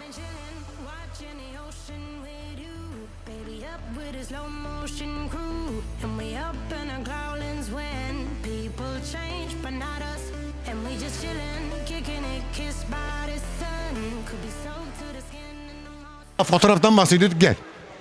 Watching the ocean with you, baby, up with a slow motion crew, and we up in our growlings when people change, but not us, and we just chillin', kicking it, kissed by the sun, could be soaked to the skin in the morning. Fotoğraftan bahsediyorduk, gel.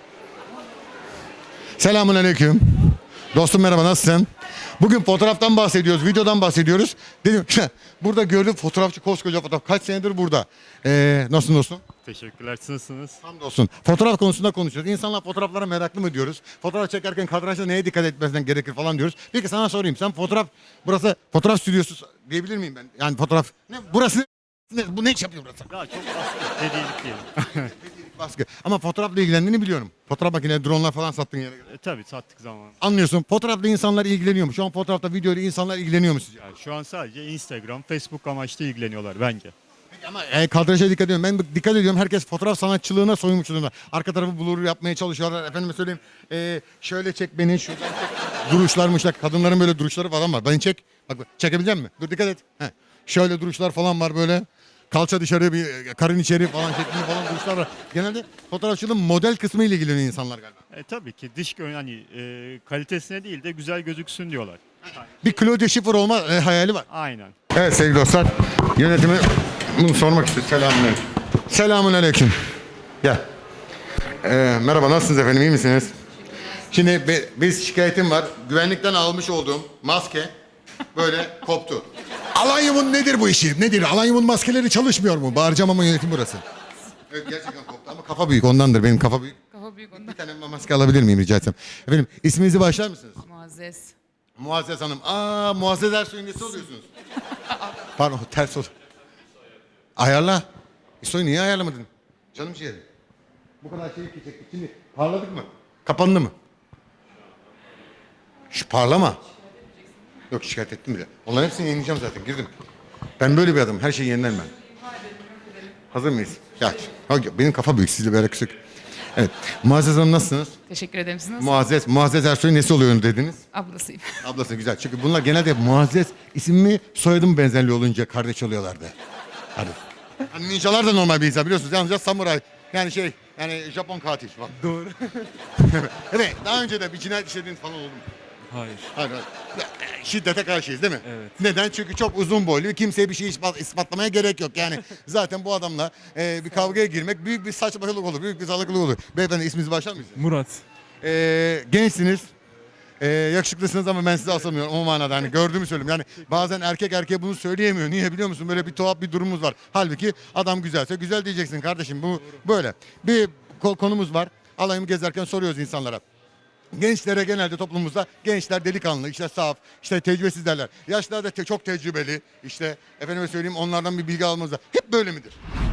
Selamun aleyküm. Dostum merhaba, nasılsın? Bugün fotoğraftan bahsediyoruz, videodan bahsediyoruz. Dedim burada gördüm, fotoğrafçı, koskoca fotoğraf. Kaç senedir burada. Nasılsın dostum? Teşekkürler. Siz nasılsınız? Hamdolsun. Fotoğraf konusunda konuşuyoruz. İnsanlar fotoğraflara meraklı mı diyoruz? Fotoğraf çekerken kadrajda neye dikkat etmesinden gerekir falan diyoruz. Peki sana sorayım. Sen burası fotoğraf stüdyosu diyebilir miyim ben? Yani fotoğraf, burası ne, bu ne iş yapıyor burası? Daha çok baskı. Hediyelik diyelim. Baskı. Ama fotoğrafla ilgilendiğini biliyorum. Fotoğraf makineleri, dronlar falan sattığın yere göre. Tabii sattık zaman. Anlıyorsun. Fotoğrafla insanlar ilgileniyor mu? Şu an fotoğrafta, videoyla insanlar ilgileniyor mu sizce? Yani şu an sadece Instagram, Facebook amaçlı ilgileniyorlar bence. Peki ama kadraja dikkat ediyorum. Ben dikkat ediyorum. Herkes fotoğraf sanatçılığına soyunmuş durumda. Arka tarafı blur yapmaya çalışıyorlar. Efendime söyleyeyim. Şöyle çek beni, şuradan çek. Duruşlarmış. Kadınların böyle duruşları falan var. Beni çek. Bak çekebilecek misin? Dur dikkat et. Heh. Şöyle duruşlar falan var böyle. Kalça dışarı, bir karın içeri falan şeklinde falan duruşlar var. Genelde fotoğrafçılığın model kısmı ile ilgileniyor insanlar galiba. Tabii ki dış hani kalitesine değil de güzel gözüksün diyorlar. Bir Claudia Schiffer olma hayali var. Aynen. Evet sevgili dostlar, yönetimi bunu sormak istiyorum. Selamünaleyküm. Selamünaleyküm. Gel. Merhaba, nasılsınız efendim, iyi misiniz? Şimdi biz şikayetim var. Güvenlikten almış olduğum maske böyle koptu. Alanyum'un nedir bu işi? Nedir? Alanyum'un maskeleri çalışmıyor mu? Bağıracağım ama yönetim burası. Evet gerçekten koptu ama kafa büyük, ondandır. Benim kafa büyük. Kafa büyük ondan. Bir tane maske alabilir miyim rica etsem? Efendim isminizi başlar mısınız? Muazzez. Muazzez Hanım. Muazzez Ersoy'un nesi oluyorsunuz? Pardon, ters oldu. Ayarla. İsoy niye ayarlamadın? Canım ciğerim. Bu kadar şeyi çektik. Şimdi parladık mı? Kapandı mı? Şu parlama. Yok, şikayet ettim bile. Onların hepsini yenileceğim zaten. Girdim. Ben böyle bir adamım. Her şeyi yenilen ben. Hazır mıyız? Ya, benim kafa büyük. Sizde böyle küçük. Evet. Muazzez Hanım nasılsınız? Teşekkür ederim. Siz nasılsınız? Muazzez Ersoy'un nesi oluyor dediniz? Ablasıyım. Ablası güzel. Çünkü bunlar genelde Muazzez isimli soyadım benzerliği olunca kardeş oluyorlardı. Hadi. Hani ninjalar da normal bir insan biliyorsunuz. Yalnızca samuray. Yani Japon katil falan. Doğru. Evet. Daha önce de bir cinayet işlediğiniz falan oldu mu? Hayır. Hayır. Şiddete karşıyız değil mi? Evet. Neden? Çünkü çok uzun boylu. Kimseye bir şey ispatlamaya gerek yok. Yani zaten bu adamla bir kavgaya girmek büyük bir saçmalık olur. Büyük bir salaklık olur. Beyefendi isminizi başlar mısınız? Murat. Gençsiniz. Yakışıklısınız ama ben sizi asamıyorum o manada, hani gördüğümü söyleyeyim. Yani bazen erkek erkeğe bunu söyleyemiyor. Niye biliyor musun? Böyle bir tuhaf bir durumumuz var. Halbuki adam güzelse güzel diyeceksin kardeşim. Bu böyle. Bir konumuz var. Alayımı gezerken soruyoruz insanlara. Gençlere genelde toplumumuzda gençler delikanlı, işte saf, işte tecrübesiz derler. Yaşlılar da çok tecrübeli. İşte efendime söyleyeyim onlardan bir bilgi almamızda. Hep böyle midir?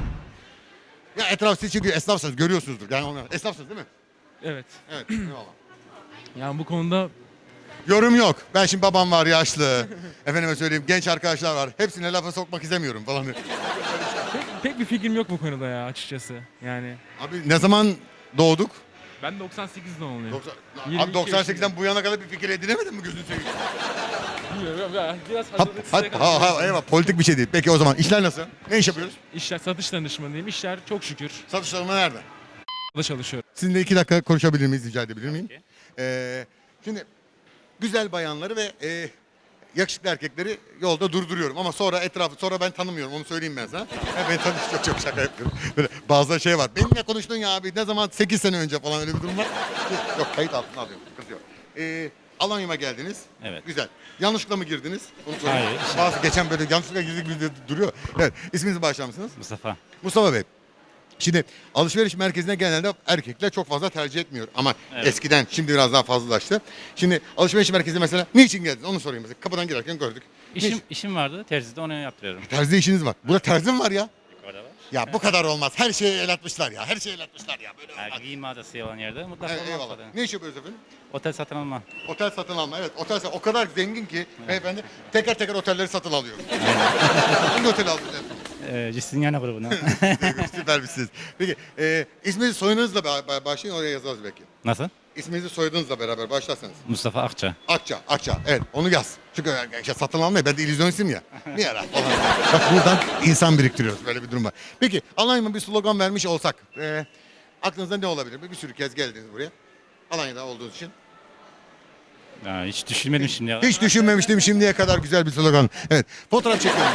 Ya etraf siz çünkü esnafsınız, görüyorsunuzdur. Yani onlar esnafsınız değil mi? Evet. Evet. Eyvallah. Yani bu konuda Yorum yok. Ben şimdi babam var yaşlı. Efendime söyleyeyim genç arkadaşlar var. Hepsine lafa sokmak istemiyorum falan. pek bir fikrim yok bu konuda ya açıkçası. Yani Abi ne zaman doğduk? ben 98 doğumluyum. 90, abi 98'den bu yana kadar bir fikir edinemedin mi gözünü seveyim? Bilmiyorum ya. Biraz Hap, hazırlıksız. eyvallah, politik bir şey değil. Peki o zaman işler nasıl? Ne iş yapıyoruz? İşler satış danışmanıyım. İşler çok şükür. Satışlarıma nerede? Da çalışıyorum. Sizinle 2 dakika konuşabilir miyiz, rica edebilir miyim? Şimdi güzel bayanları ve yakışıklı erkekleri yolda durduruyorum ama sonra ben tanımıyorum, onu söyleyeyim ben sana. Ben çok şaka yapıyorum. Böyle bazı şey var. Benimle konuştun ya abi, ne zaman 8 sene önce falan, öyle bir durum var. Yok, kayıt altına alıyorum, sıkıntı yok. Alanya'ma geldiniz. Evet. Güzel. Yanlışlıkla mı girdiniz? Onu sorayım. Hayır. Bazı geçen böyle yanlışlıkla girdik gibi duruyor. Evet. İsminizi başlar mısınız? Mustafa. Mustafa Bey. Şimdi alışveriş merkezine genelde erkekler çok fazla tercih etmiyor. Ama Evet. eskiden, şimdi biraz daha fazlalaştı. Şimdi alışveriş merkezine mesela niçin geldiniz? Onu sorayım mesela. Kapıdan girerken gördük. İşim vardı. Terzide onu yaptırıyorum. Terzi işiniz var. Burada terzi mi var ya? Orada var. Ya bu kadar olmaz. Her şeyi el atmışlar ya. Her şeyi el atmışlar ya. Böyle olmaz. Giyim mağazası olan yerde mutlaka Evet, eyvallah. olmalı. Ne iş yapıyoruz efendim? Otel satın alma. Otel satın alma. Evet, o kadar zengin ki beyefendi teker teker otelleri satın alıyor. Hangi oteli aldınız efendim? Cistinyan grubuna. Süper misiniz? Peki isminiz soyunuzla başlayın, oraya yazarız belki. Nasıl? İsminizi soyadınızla beraber başlarsanız. Mustafa Akça. Akça. Evet, onu yaz. Çünkü işte satın almayı, ben de illüzyonistim ya. Bir ara falan. Bak buradan insan biriktiriyoruz. Böyle bir durum var. Peki, Alanya'ma bir slogan vermiş olsak. Aklınızda ne olabilir? Bir sürü kez geldiniz buraya. Alanya'da olduğunuz için. Ya, hiç düşünmedim şimdi ya. Hiç düşünmemiştim şimdiye kadar güzel bir slogan. Evet, fotoğraf çekiyorum.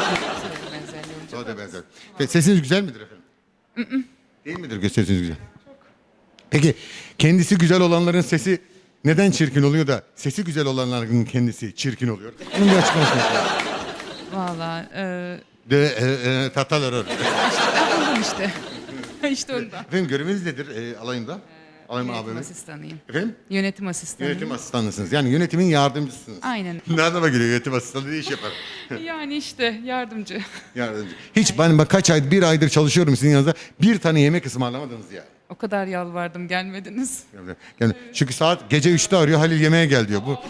O da benzer. Peki, sesiniz güzel midir efendim? Değil midir sesiniz güzel? Peki, kendisi güzel olanların sesi neden çirkin oluyor da sesi güzel olanların kendisi çirkin oluyor? Bunun bir açıklamasını yapalım. Valla Tatalar. ondan işte. İşte ondan. Efendim göreviniz nedir alayında? Alayım Yönetim AVM. asistanıyım. Efendim? Yönetim asistanıyım. Yönetim asistanısınız. Yani yönetimin yardımcısınız. Aynen. Nereden geliyor yönetim asistanı ne iş yapar? Yani işte yardımcı. Yardımcı. Hiç ben bak kaç ay, bir aydır çalışıyorum sizin yanınızda. Bir tane yemek ısmarlamadınız ya. O kadar yalvardım gelmediniz. Yani çünkü saat gece 3'te arıyor, Halil yemeğe gel diyor. Bu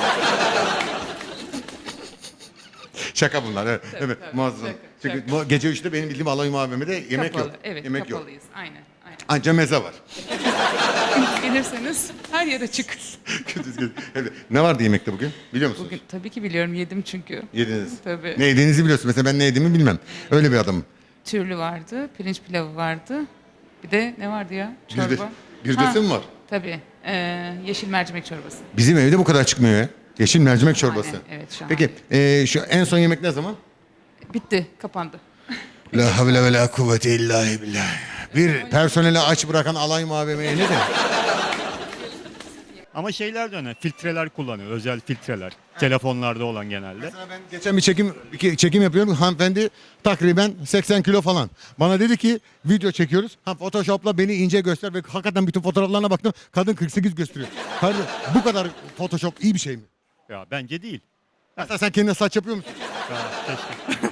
şaka bunlar. Evet, evet, tabii, muazzam. şaka, Çünkü şaka. bu gece 3'te benim bildiğim Alayım AVM'de yemek Kapalı. yok. Evet yemek yok. kapalıyız. Aynen. Anca meze var. Gelirseniz her yere çık. Evet. Ne vardı yemekte bugün? Biliyor musunuz? Bugün tabii ki biliyorum yedim çünkü. Yediniz. Tabii. Ne yediğinizi biliyorsun. Mesela ben ne yediğimi bilmem. Öyle bir adamım. Türlü vardı, pirinç pilavı vardı. Bir de ne vardı ya? Çorba. Birdesi mi var? Tabii. Yeşil mercimek çorbası. Bizim evde bu kadar çıkmıyor ya. Yeşil mercimek çorbası. Şahane, evet, şahane. Peki şu en son yemek ne zaman? Bitti, kapandı. La havle ve la kuvvete illa billah. Bir personeli aç bırakan Alayım AVM'ye ne demek? Ama şeyler de önemli. Filtreler kullanıyor. Özel filtreler. Telefonlarda olan genelde. Mesela ben geçen bir çekim yapıyorum. Hanımefendi takriben 80 kilo falan. Bana dedi ki video çekiyoruz. Photoshop'la beni ince göster ve hakikaten bütün fotoğraflarına baktım. Kadın 48 gösteriyor. Kardeşim bu kadar Photoshop iyi bir şey mi? Ya bence değil. Mesela sen kendine saç yapıyor musun? Ya, keşke.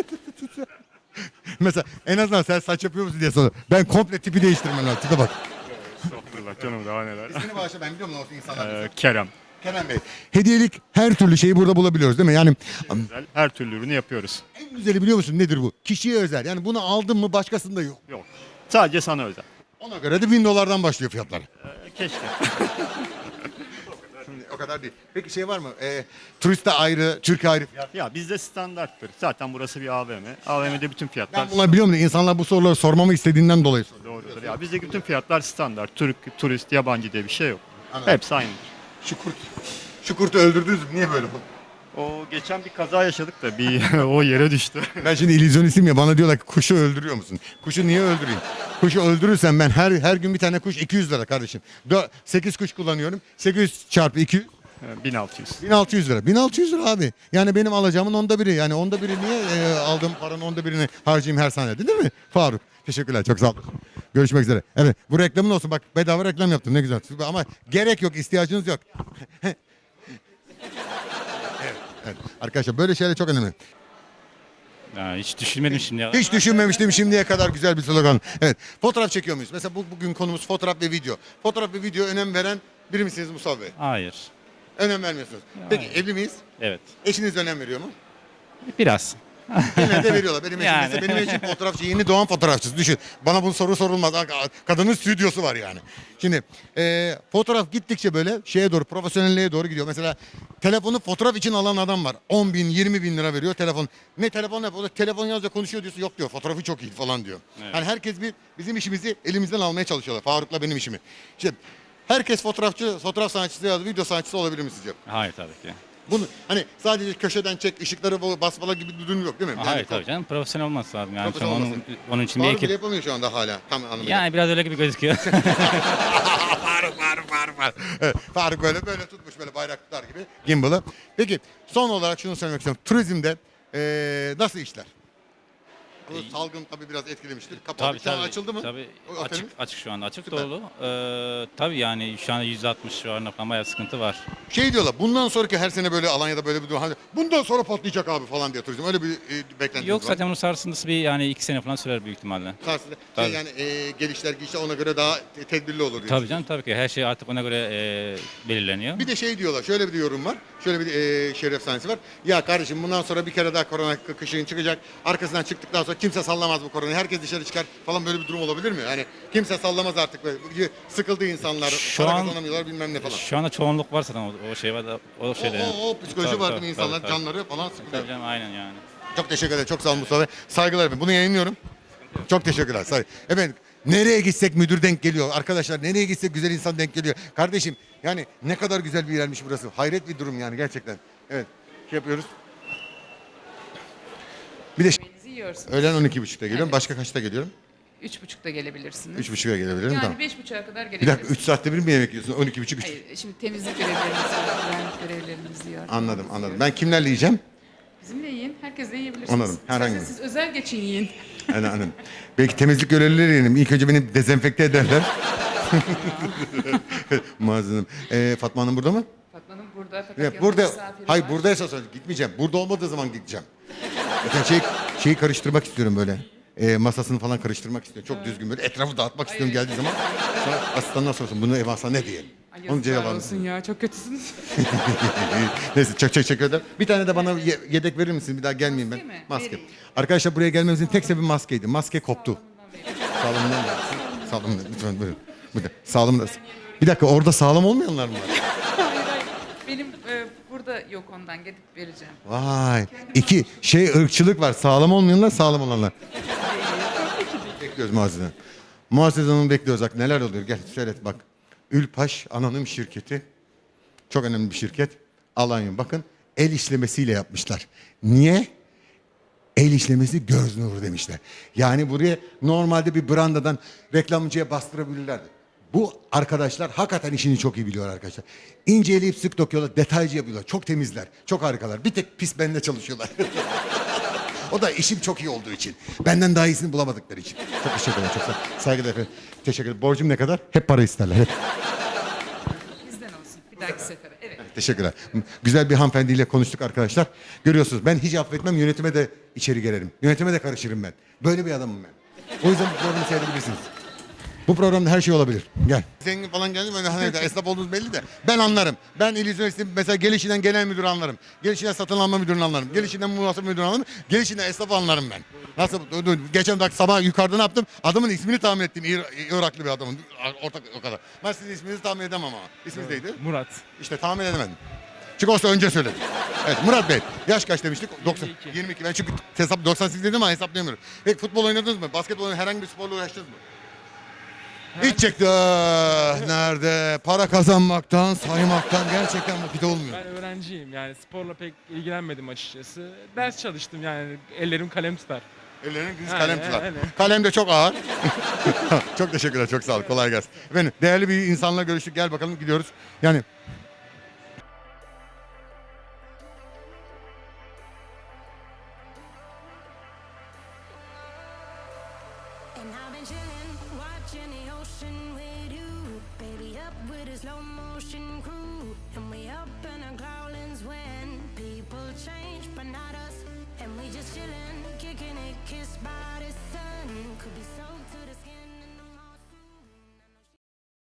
Mesela en azından sen saç yapıyor musun diye soruyor. Ben komple tipi değiştirmem lazım. Tipe bak. Estağfurullah canım daha neler. İsmini bağışla ben biliyorum nasıl insanlar. Kerem. Kerem Bey. Hediyelik her türlü şeyi burada bulabiliyoruz değil mi? Yani Özel, her türlü ürünü yapıyoruz. en güzeli biliyor musun nedir bu? Kişiye özel. Yani bunu aldın mı başkasında yok. Yok. Sadece sana özel. Ona göre de $1000'dan başlıyor fiyatlar. Keşke. O kadar değil. Peki şey var mı? Turiste ayrı, Türk ayrı fiyat. Ya bizde standarttır. Zaten burası bir AVM. AVM'de bütün fiyatlar Ben bunları biliyorum da insanlar bu soruları sormamı istediğinden dolayı soruyor. doğrudur. Ya bizde bütün fiyatlar standart. Türk, turist, yabancı diye bir şey yok. Anladım. Hepsi aynıdır. Şu kurtu öldürdünüz mü? Niye böyle oldu? O geçen bir kaza yaşadık da bir o yere düştü. Ben şimdi illüzyonistim ya bana diyorlar ki kuşu öldürüyor musun? Kuşu niye öldüreyim? Kuşu öldürürsem ben her gün bir tane kuş 200 lira kardeşim. 8 kuş kullanıyorum. 800 çarpı 200 1600. 1600 lira. 1600 lira abi. Yani benim alacağımın onda biri. Yani onda biri niye aldığım paranın onda birini harcayayım her saniyede değil mi? Faruk. Teşekkürler. Çok sağ olun. Görüşmek üzere. Evet. Bu reklamın olsun. Bak bedava reklam yaptın. Ne güzel. Ama gerek yok. İhtiyacınız yok. Evet. Arkadaşlar böyle şeyler çok önemli. Ya, hiç düşünmedim şimdi ya. Hiç düşünmemiştim şimdiye kadar güzel bir slogan. Evet. Fotoğraf çekiyor muyuz? Mesela bugün konumuz fotoğraf ve video. Fotoğraf ve video önem veren biri misiniz Mustafa Bey? Hayır. Önem vermiyorsunuz. Peki evli miyiz? Evet. Eşiniz önem veriyor mu? Biraz. Genelde veriyorlar. Benim eşim Yani. mesela benim eşim fotoğrafçı, yeni doğan fotoğrafçısı. Düşün. Bana bu soru sorulmaz. Kadının stüdyosu var yani. Şimdi fotoğraf gittikçe böyle şeye doğru, profesyonelliğe doğru gidiyor. Mesela telefonu fotoğraf için alan adam var. 10 bin, 20 bin lira veriyor telefon. Ne telefon yapıyor? Telefon yazınca konuşuyor diyorsun. Yok diyor. Fotoğrafı çok iyi falan diyor. Evet. Yani herkes bizim işimizi elimizden almaya çalışıyorlar. Faruk'la benim işimi. İşte herkes fotoğrafçı, fotoğraf sanatçısı ya da video sanatçısı olabilir mi sizce? Hayır tabii ki. Bunu hani sadece köşeden çek, ışıkları basmalar gibi bir durum yok değil mi? Hayır tabii canım. Profesyonel olması lazım. Yani Profesyonel onun, olması. onun için bir Faruk bile ekip. yapamıyor şu anda hala. Tam anlamıyla. Yani biraz öyle gibi gözüküyor. Faruk. Evet, Faruk böyle tutmuş böyle bayraklar gibi gimbal'ı. Peki son olarak şunu söylemek istiyorum. Turizmde nasıl işler? Bu salgın tabii biraz etkilemiştir. Kapalı. Tabii Şu an tabii. açıldı mı? Tabii O otelin? açık şu anda. Açık Süper. dolu. Tabii yani şu anda %60 civarında falan bayağı sıkıntı var. Şey diyorlar bundan sonraki her sene böyle Alanya'da böyle bir durum. Hani bundan sonra patlayacak abi falan diye turizm. Öyle bir beklentiniz Yok var. zaten bunun sarsıntısı bir yani 2 sene falan sürer büyük ihtimalle. Karşısında Tabii. yani gelişler gidişler ona göre daha tedbirli olur diye. Tabii canım tabii ki her şey artık ona göre belirleniyor. Bir de şey diyorlar, şöyle bir yorum var, şöyle bir şeref sahnesi var. Ya kardeşim bundan sonra bir kere daha korona kışın çıkacak, arkasından çıktıktan sonra olsa kimse sallamaz bu koronayı. Herkes dışarı çıkar falan, böyle bir durum olabilir mi? Yani kimse sallamaz artık böyle. Sıkıldı insanlar. Şu para an- kazanamıyorlar bilmem ne falan. Şu anda çoğunluk var zaten o şey var da o şeyde. yani. O psikoloji Tabii, var tabii, değil mi insanlar? tabii, tabii. Canları falan sıkılıyor. Tabii canım, aynen yani. Çok teşekkür ederim. Çok sağ olun Mustafa Bey. Saygılar efendim. Bunu yayınlıyorum. Çok teşekkürler. Efendim nereye gitsek müdür denk geliyor. Arkadaşlar nereye gitsek güzel insan denk geliyor. Kardeşim yani ne kadar güzel bir yermiş burası. Hayret bir durum yani gerçekten. Evet. Şey yapıyoruz. Bir de Yemeğinizi yiyorsunuz. öğlen 12.30'da geliyorum. Evet. Başka kaçta geliyorum? 3.30'da gelebilirsiniz. 3.30'a gelebilirim. Yani Tamam. 5.30'a kadar Bir gelebilirsiniz. dakika 3 saatte bir mi yemek yiyorsun? 12.30 3. Hayır, şimdi temizlik görevlerimiz var, güvenlik görevlerimiz var. Anladım. Ben kimlerle yiyeceğim? Bizimle yiyin, herkesle yiyebilirsiniz. Anladım, herhangi İsterseniz siz özel geçin yiyin. Anladım. Belki temizlik görevlileri yiyelim. İlk önce beni dezenfekte ederler. Muazzam. Fatma Hanım burada mı? Fatma Hanım burada fakat Ya yanında burada, misafiri hayır var. buradaysa söyle, gitmeyeceğim. Burada olmadığı zaman gideceğim. Zaten şeyi karıştırmak istiyorum böyle. Masasını falan karıştırmak istiyorum. Çok düzgün böyle etrafı dağıtmak istiyorum geldiği zaman. Sonra asistandan sorsun bunu ev alsa ne diye. Ay, Onun yazıklar cevabını. olsun ya, çok kötüsünüz. Neyse çok teşekkür ederim. Bir tane de bana yedek verir misin? Bir daha gelmeyeyim ben. Maske mi? Maske. Vereyim. Arkadaşlar buraya gelmemizin tek sebebi maskeydi. Maske koptu. Sağlamından versin. Sağlamından lütfen buyurun. Sağlamından. Bir dakika orada sağlam olmayanlar mı var? Hayır hayır. Benim burada yok ondan, gidip vereceğim. Vay. İki ırkçılık var. Sağlam olmayanlar, sağlam olanlar. Bekliyoruz Muazzez Hanım. Muazzez Hanım'ı bekliyoruz. Bak neler oluyor. Gel seyret bak. Ülpaş Anonim Şirketi. Çok önemli bir şirket. Alanya. Bakın el işlemesiyle yapmışlar. Niye? El işlemesi göz nuru demişler. Yani buraya normalde bir brandadan reklamcıya bastırabilirlerdi. Bu arkadaşlar hakikaten işini çok iyi biliyor arkadaşlar. İnce eleyip sık dokuyorlar, detaycı yapıyorlar. Çok temizler, çok harikalar. Bir tek pis benimle çalışıyorlar. O da işim çok iyi olduğu için. Benden daha iyisini bulamadıkları için. Çok teşekkür ederim. Çok saygılar efendim. Teşekkür ederim. Borcum ne kadar? Hep para isterler. Hep. Bizden olsun, bir dahaki sefere. Evet. Teşekkürler. Güzel bir hanımefendiyle konuştuk arkadaşlar. Görüyorsunuz ben hiç affetmem, yönetime de içeri girerim. Yönetime de karışırım ben. Böyle bir adamım ben. O yüzden bu programı seyredebilirsiniz. Bu programda her şey olabilir. Gel. Zengin falan geldi mi? Hani esnaf olduğunuz belli de. Ben anlarım. Ben illüzyonistim. Mesela gelişinden genel müdür anlarım. Gelişinden satın alma müdürünü anlarım. Gelişinden muhasebe müdürünü anlarım. Gelişinden esnafı anlarım ben. Nasıl? Geçen dakika sabah yukarıda ne yaptım? Adamın ismini tahmin ettim. Iraklı bir adamın. Ortak o kadar. Ben sizin isminizi tahmin edemem ama. İsminiz neydi? Murat. İşte tahmin edemedim. Çünkü olsa önce söyledim. Evet Murat Bey. Yaş kaç demiştik? 90, 22. Ben çünkü hesap 98 dedim ama hesaplayamıyorum. Peki futbol oynadınız mı? Basketbol oynadınız mı? Herhangi bir sporla uğraştınız mı? Hiç çekti. Nerede? Para kazanmaktan, saymaktan gerçekten vakit olmuyor. Ben öğrenciyim yani sporla pek ilgilenmedim açıkçası. Ders çalıştım yani ellerim kalem tutar. Ellerinin düz Aynen, kalem tutar. aynen. Kalem de çok ağır. Çok teşekkürler, çok sağ ol. Kolay gelsin. Efendim değerli bir insanla görüştük. Gel bakalım gidiyoruz. Yani And I've been chilling, watching the ocean with you. Baby, up with a slow motion crew. And we up in our growlings when people change, but not us. And we just chill.